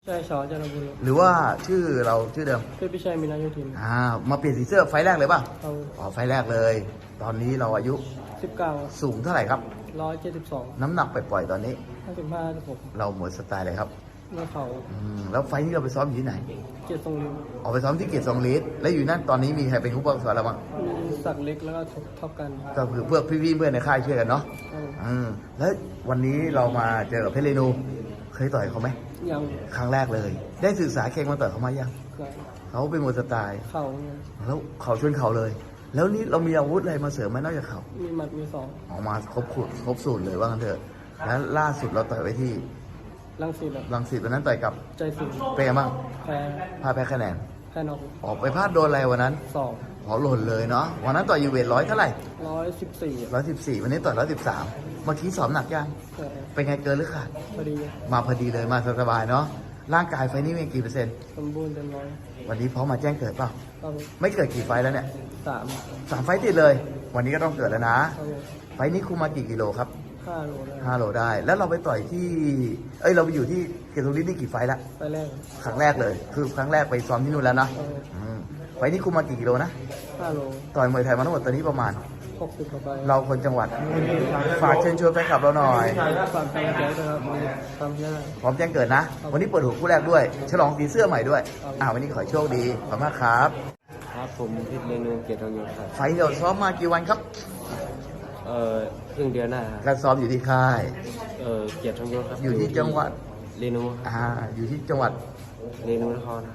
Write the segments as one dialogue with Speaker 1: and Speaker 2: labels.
Speaker 1: ใช่ชอจันทบุรี
Speaker 2: หรือว่าชื่อเราชื่อเดิม
Speaker 1: คือพี่ชัยมีนาโยธิน
Speaker 2: มาเปลี่ยนสีเสื้อไฟล์แรกเลยป่ะ
Speaker 1: เอา
Speaker 2: ไฟล์แรกเลย ตอนนี้เราอายุ
Speaker 1: 19
Speaker 2: สูงเท่าไหร่ครับ
Speaker 1: 172
Speaker 2: น้ำหนักปล่อยๆตอนนี้
Speaker 1: 55 56
Speaker 2: เราหมดสไตล์เลยครับ
Speaker 1: เมื่อเขา
Speaker 2: แล้วไฟล์นี้เราไปซ้อมอยู่ที่ไหน
Speaker 1: เกียรติทรงฤทธิ์
Speaker 2: ออกไปซ้อมที่เกียรติทรงฤทธิ์แล้วอยู่นั่นตอนนี้มีใครเป็นผู้บังคับเราบ้าง
Speaker 1: มีศักดิ์เล็กแล้วก็ท็อปกัน
Speaker 2: ก็คือเพื่อพี่ๆเพื่อนในค่ายช่วยกันเนาะแล้ววันนี้เรามาเจอกับเพชรเรนูเคยต่อยเขาไหม
Speaker 1: ยัง
Speaker 2: ครั้งแรกเลย ได้ศึกษาเก่งมาต่อยเขามายังเขาเป็นมวยสไตล์
Speaker 1: เข่าเนี่ย
Speaker 2: แล้วเขาชนเขาเลย แล้วนี่เรามีอาวุธอะไรมาเสริมไหมนอกจากเขา
Speaker 1: มีหมัดมีศอก
Speaker 2: ออกมาครบสูตรเลยว่ากันเถอะแล้วล่าสุดเราต่อยไว้ที่
Speaker 1: รังสิต
Speaker 2: วันนั้นต่อยกับ
Speaker 1: ใจสิง
Speaker 2: เป็นไงบ้าง
Speaker 1: แพ้
Speaker 2: พลาดแพ้คะแนน
Speaker 1: นอก
Speaker 2: ออกไปพลาดโดนอะไรวันนั้น
Speaker 1: สอง
Speaker 2: หล่นเลยเนาะวันนั้นต่อยอยู่เวท100เท่าไหร่
Speaker 1: 114
Speaker 2: วันนี้ต่อย113เมื่อกี้สอบหนักยังเป็นไงเกินหรือขาด
Speaker 1: พอดี
Speaker 2: มาพอดีเลยมาสบายเนาะร่างกายไฟนี้มีกี่เปอร์เซ็นต์
Speaker 1: สมบูรณ์เต็มร้อย
Speaker 2: วันนี้พร้อมมาแจ้งเกิดเปล่าไม่เกิดกี่ไฟแล้วเนี่ย
Speaker 1: 3
Speaker 2: 3ไฟติดเลย วันนี้ก็ต้องเกิดแล้วนะไฟนี้คุมมากี่กิโลครับ
Speaker 1: 5 โล
Speaker 2: ได้แล้วเราไปต่อยที่เราไปอยู่ที่เกียรติทรงฤทธิ์นี่กี่ไฟละ
Speaker 1: ไฟแรก
Speaker 2: ครั้งแรกเลยคือครั้งแรกไปซ้อมที่นู่นแล้วนะไฟนี้คุมมากี่กิโลนะ
Speaker 1: 5 โล
Speaker 2: ต่อยมวยไทยมาทั้งหมดตอนนี้ประมาณ
Speaker 1: 60 กว่าใบ
Speaker 2: เราคนจังหวัดฝากเชิญชวนแฟนคลับเราหน่อย
Speaker 1: ฝากแฟนคลับนะครับทำได้
Speaker 2: พร้อมแจ้งเกิดนะวันนี้เปิดหัวคู่แรกด้วยฉลองสีเสื้อใหม่ด้วยวันนี้ขอโชคดีขอบคุณมากครับ
Speaker 1: ครับผมพิษเรนูเกียรติทองยศครับ
Speaker 2: ไฟเดี๋ยวซ้อมมากี่วันครับ
Speaker 1: ครึ่งเดือนหน้า
Speaker 2: การซ้อมอยู่ที่ค่าย
Speaker 1: เกียรติทองยศครับ
Speaker 2: อยู่ที่จังหวัด
Speaker 1: เรนู
Speaker 2: อยู่ที่จังหวัด
Speaker 1: เรนูนคร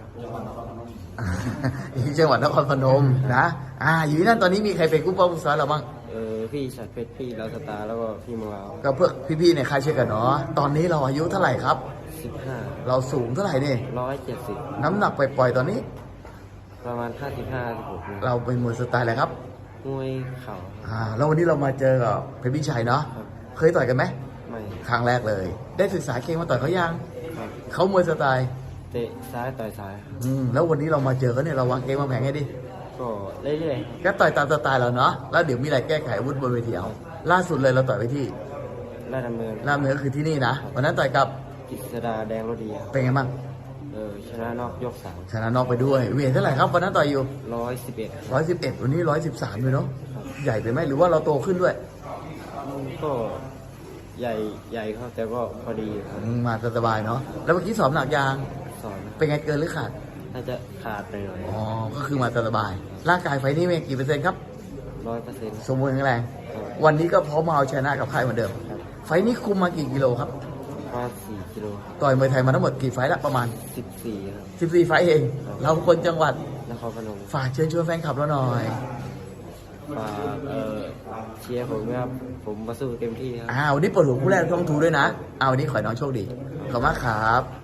Speaker 2: อยู่ที่จังหวัดนครพนมนะอยู่ที่นั่นตอนนี้มีใครเป็นกู้ป้องกันเราบ้าง
Speaker 1: พี่ชัดเพชรพี่ลาวสตาร์แล้วก็พี่มังลาว
Speaker 2: ก็เพื่อพี่ๆในค่ายเช่นกันเนาะตอนนี้เราอายุเท่าไหร่ครับ
Speaker 1: 15
Speaker 2: เราสูงเท่าไหร่นี่
Speaker 1: 170
Speaker 2: น้ำหนักปล่อยๆตอนนี้
Speaker 1: ประมาณ55-56
Speaker 2: เราเป็นมวยสไตล์อะไรครับ
Speaker 1: มวยเข่า
Speaker 2: แล้ววันนี้เรามาเจอกับเพชรพิชัยเนาะเคยต่อยกันไหม
Speaker 1: ไม่
Speaker 2: ครั้งแรกเลยได้ศึกษาเก่งมาต่อยเขายังเขามวยสไตล์
Speaker 1: เตะซ้ายต่อยซ้าย
Speaker 2: แล้ววันนี้เรามาเจอเขาเนี่ยเราวางเกมวางแผนให้ดิ
Speaker 1: ก็เรื่อย
Speaker 2: ๆก็ต่อยตามสไตล์เราเนาะแล้วเดี๋ยวมีอะไรแก้ไขอาวุธบนเวทีเอาล่าสุดเลยเราต่อยไปที่
Speaker 1: ราชดำเ
Speaker 2: นินก็คือที่นี่นะวันนั้นต่อยกับ
Speaker 1: กิษดาแดงโรดี
Speaker 2: เป็นไงบ้าง
Speaker 1: ชนะนอกยก3
Speaker 2: ชนะนอกไปด้วยเวทเท่าไหร่ครับวันนั้นต่อยอยู่
Speaker 1: 111
Speaker 2: วันนี้113เลยเนาะใหญ่ไปไหมหรือว่าเราโตขึ้นด้วย
Speaker 1: ก็ใหญ่ครับแต่ก็พอดีครับ
Speaker 2: มาสบายเนาะแล้วเมื่อกี้สอบหนักยางเป็นไงเกินหรือขาด
Speaker 1: น่าจะขาดไปหน่อย
Speaker 2: ก็คือมาสบายร่างกายไฟนี้มีกี่เปอร์เซ็นต์ครับ
Speaker 1: 100%
Speaker 2: สมบูรณ์แข็งแรงวันนี้ก็พร้อมมาเอาชนะกับใครเหมือนเดิมไฟนี้คุมมากี่กิโลครับ
Speaker 1: 4 กิโล
Speaker 2: ต่อยมวยไทยมาทั้งหมดกี่ไฟละประมาณ
Speaker 1: 14ครับ
Speaker 2: 14ไฟเองเราคนจังหวัด
Speaker 1: นครพนม
Speaker 2: ฝากเชิญชวนแฟนคลับเราหน่อย
Speaker 1: ฝากเชียร์ผมครับผมมาสู้เต็มที่ครับ
Speaker 2: วันนี้เปิดหัวคู่แรกช่องทูด้วยนะวันนี้ขอให้น้องโชคดีขอบคุณมากครับ